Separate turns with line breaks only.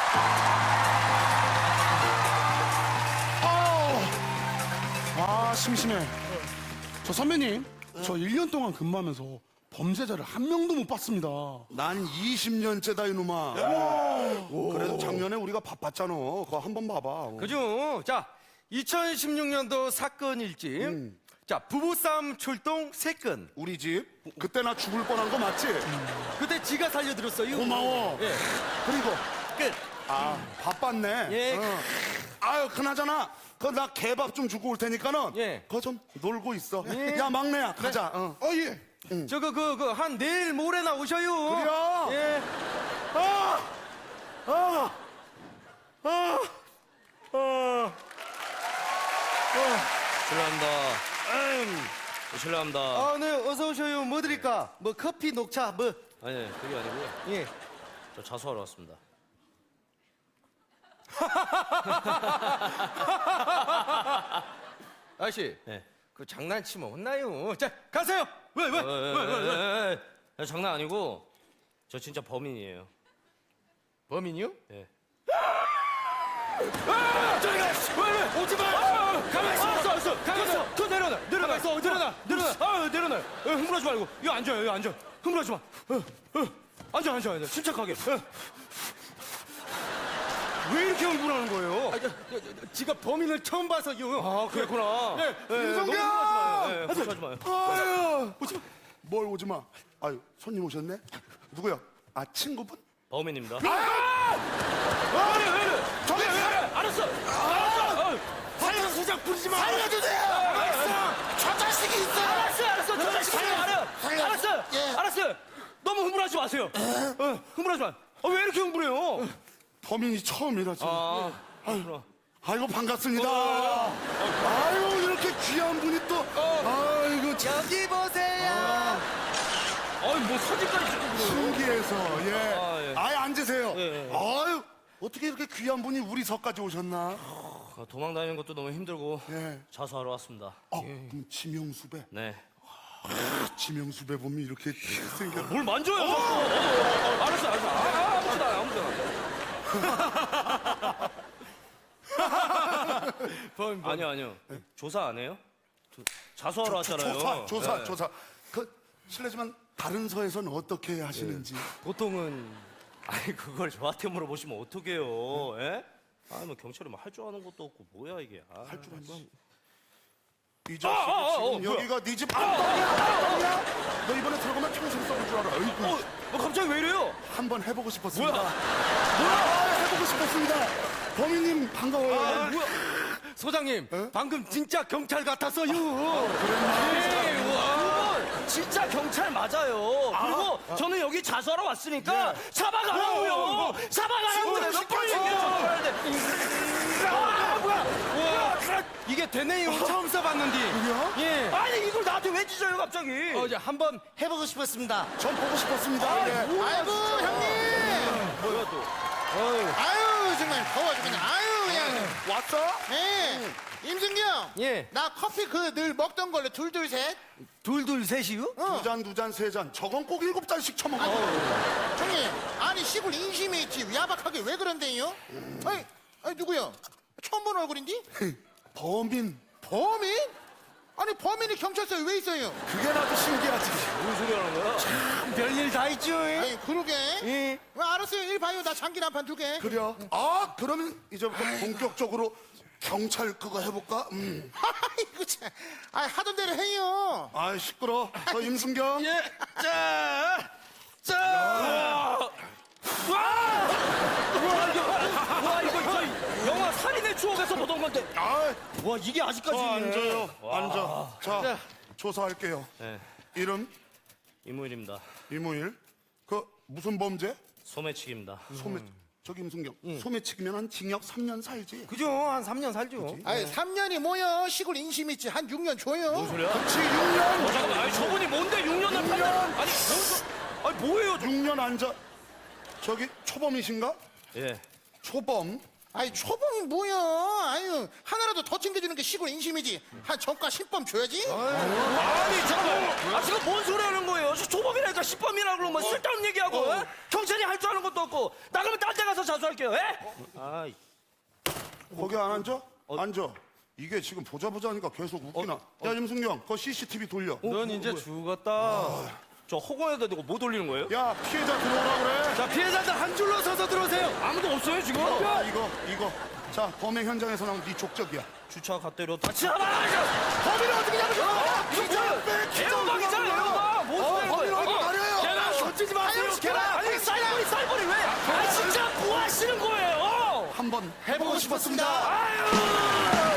심심해. 저 선배님, 저 1년 동안 근무하면서 범죄자를 한 명도 못 봤습니다.
난 20년째다 이놈아. 그래도 작년에 우리가 바빴잖아. 그거 한번 봐봐.
그죠? 자, 2016년도 사건 일집. 자, 부부싸움 출동 3건.
우리 집 그때 나 죽을 뻔한 거 맞지?
그때 지가 살려드렸어요.
고마워.
예.
그리고
끝.
바빴네.
예.
아유 그나저나 그 나 개밥 좀 주고 올 테니까는
예.
그거 좀 놀고 있어.
예.
야 막내야 가자.
예.
저거 한 내일 모레나 오셔요.
그래요?
예.
실례합니다. 실례합니다.
아, 네, 어서 오셔요. 뭐 드릴까? 뭐 커피, 녹차, 뭐.
아니, 그게 아니고요.
예.
저 자수하러 왔습니다.
아저씨,
네.
그 장난치면 혼나요. 자, 가세요. 왜?
장난 아니고 저 진짜 범인이에요.
범인이요?
예.
저리 가! 왜? 오지 마! 가만히 있어! 가만히 있어! 그 내려놔! 내려놔! 내려놔! 흥분하지 말고. 여기 앉아요, 여기 앉아. 흥분하지 마. 앉아. 침착하게. 왜 이렇게 흥분하는 거예요? 지가 범인을 처음 봐서요.
아, 그랬구나.
네,
윤성경!
흥분하지 마요.
아유 오지 마. 뭘 오지 마. 아유 손님 오셨네. 누구야? 아 친구분?
범인입니다.
왜 이래? 저기 왜 이래? 알았어. 살려주자 부리지 마.
살려주세요.
저 자식이 있어. 알았어. 저 자식이 알았어. 알았어요. 너무 흥분하지 마세요. 흥분하지 마. 왜 이렇게 흥분해요?
범인이 처음이라서.
그럼.
아이고 반갑습니다. 아유 이렇게 귀한 분이 또. 아이고 참
여기 보세요.
뭐 사진까지 찍고 그래요.
신기해서 예.
예.
아예 앉으세요.
예.
아유 어떻게 이렇게 귀한 분이 우리 서까지 오셨나?
도망 다니는 것도 너무 힘들고
예.
자수하러 왔습니다.
그럼 지명수배.
네.
지명수배 보면 이렇게 생겨.
뭘 만져요? 알았어. 아무데나. 아니요. 조사 안 해요? 자수하러 왔잖아요.
조사. 그 실례지만 다른 서에서는 어떻게 하시는지.
보통은 그걸 저한테 물어보시면 어떡해요? 예? 뭐 경찰이 할 줄 아는 것도 없고 뭐야 이게?
할 줄 알면 이 자식이 지금
뭐야?
여기가 네 집 안방이야? 너 이번에 들어가면 평생 썩을 줄 알아. 아이고.
갑자기 왜 이래요?
한번 해보고 싶었습니다.
뭐야?
해보고 싶었습니다. 범인님 반가워요.
소장님, 방금 진짜 경찰 같았어요.
그건 진짜 경찰 맞아요. 그리고 저는 여기 자수하러 왔으니까 사과하라고요. 사과하라고 내가 빨리
이게 되네요. 처음 써봤는데. 예.
아니 이걸 나한테 왜 찢어요 갑자기?
이제 한번 해보고 싶었습니다.
전 보고 싶었습니다. 예.
아이고 형님.
뭐야 또?
아유 정말 더워 죽겠네. 아유 그냥.
왔어?
네. 임승경.
예.
나 커피 그 늘 먹던 걸로 둘둘 셋.
둘둘 셋이요?
두 잔, 세 잔. 저건 꼭 7잔씩 처먹어.
형님. 아니 시골 인심에 있지 야박하게 왜 그런데요? 아니 누구요? 처음 본 얼굴인데?
범인.
범인? 아니 범인이 경찰서에 왜 있어요?
그게 나도 신기하지.
무슨 소리 하는 거야?
별일 다 있죠.
아니 그러게.
예.
왜 알았어요. 일 봐요. 나 장기 한판 두게.
그래요? 그러면 이제부터 본격적으로 경찰 그거 해볼까?
아이고 참. 하던 대로 해요.
시끄러. 저 임순경.
예. 자.
와 이거 영화 살인의 추억에서 보던 건데. 와 이게 아직까지 있네.
앉아. 자, 조사할게요.
네.
이름
이무일입니다.
이무일. 그 무슨 범죄?
소매치기입니다.
소매. 저기 임순경. 소매치기면 한 징역 3년 살지.
그죠? 한 3년 살죠.
아니 3년이 뭐야? 시골 인심 있지. 한 6년 줘요.
무슨 소리야?
그렇지 6년.
잠깐만, 아니 저분이 뭔데 6년을 8년? 아니 뭐예요?
6년 앉아. 저기 초범이신가?
예.
초범.
아이 초봉이 뭐야? 아유 하나라도 더 챙겨주는 게 시골 인심이지. 한 정가 10번 줘야지.
아니 잠깐 지금 뭔 소리 하는 거예요? 조범이라니까 10범이라고 그러면 뭐 쓸데없는 얘기하고 에? 경찰이 할 줄 아는 것도 없고 나 그러면 딴 데 가서 자수할게요. 에? 아이.
거기 안 앉아? 앉아. 이게 지금 보자 하니까 계속 웃기나. 야, 임승경, 그거 CCTV 돌려.
넌 이제 죽었다.
저 허공에다 대고 못 올리는 거예요?
야, 피해자 들어오라 그래.
자, 피해자들 한 줄로 서서 들어오세요. 아무도 없어요, 지금.
이거. 자, 범행 현장에서 나온 네 족적이야.
주차 갓대로 다 치아봐! 범인을 어떻게 잡으셔? 이거 뭐야? 애호박이잖아, 애호박! 뭔 소리야, 이거?
범인을 어떻게 가려요?
계란 던지지 마세요, 계란.
아니, 쌀벌이 왜? 아, 진짜 뭐 하시는 거예요?
한번 해보고 싶었습니다.
아유!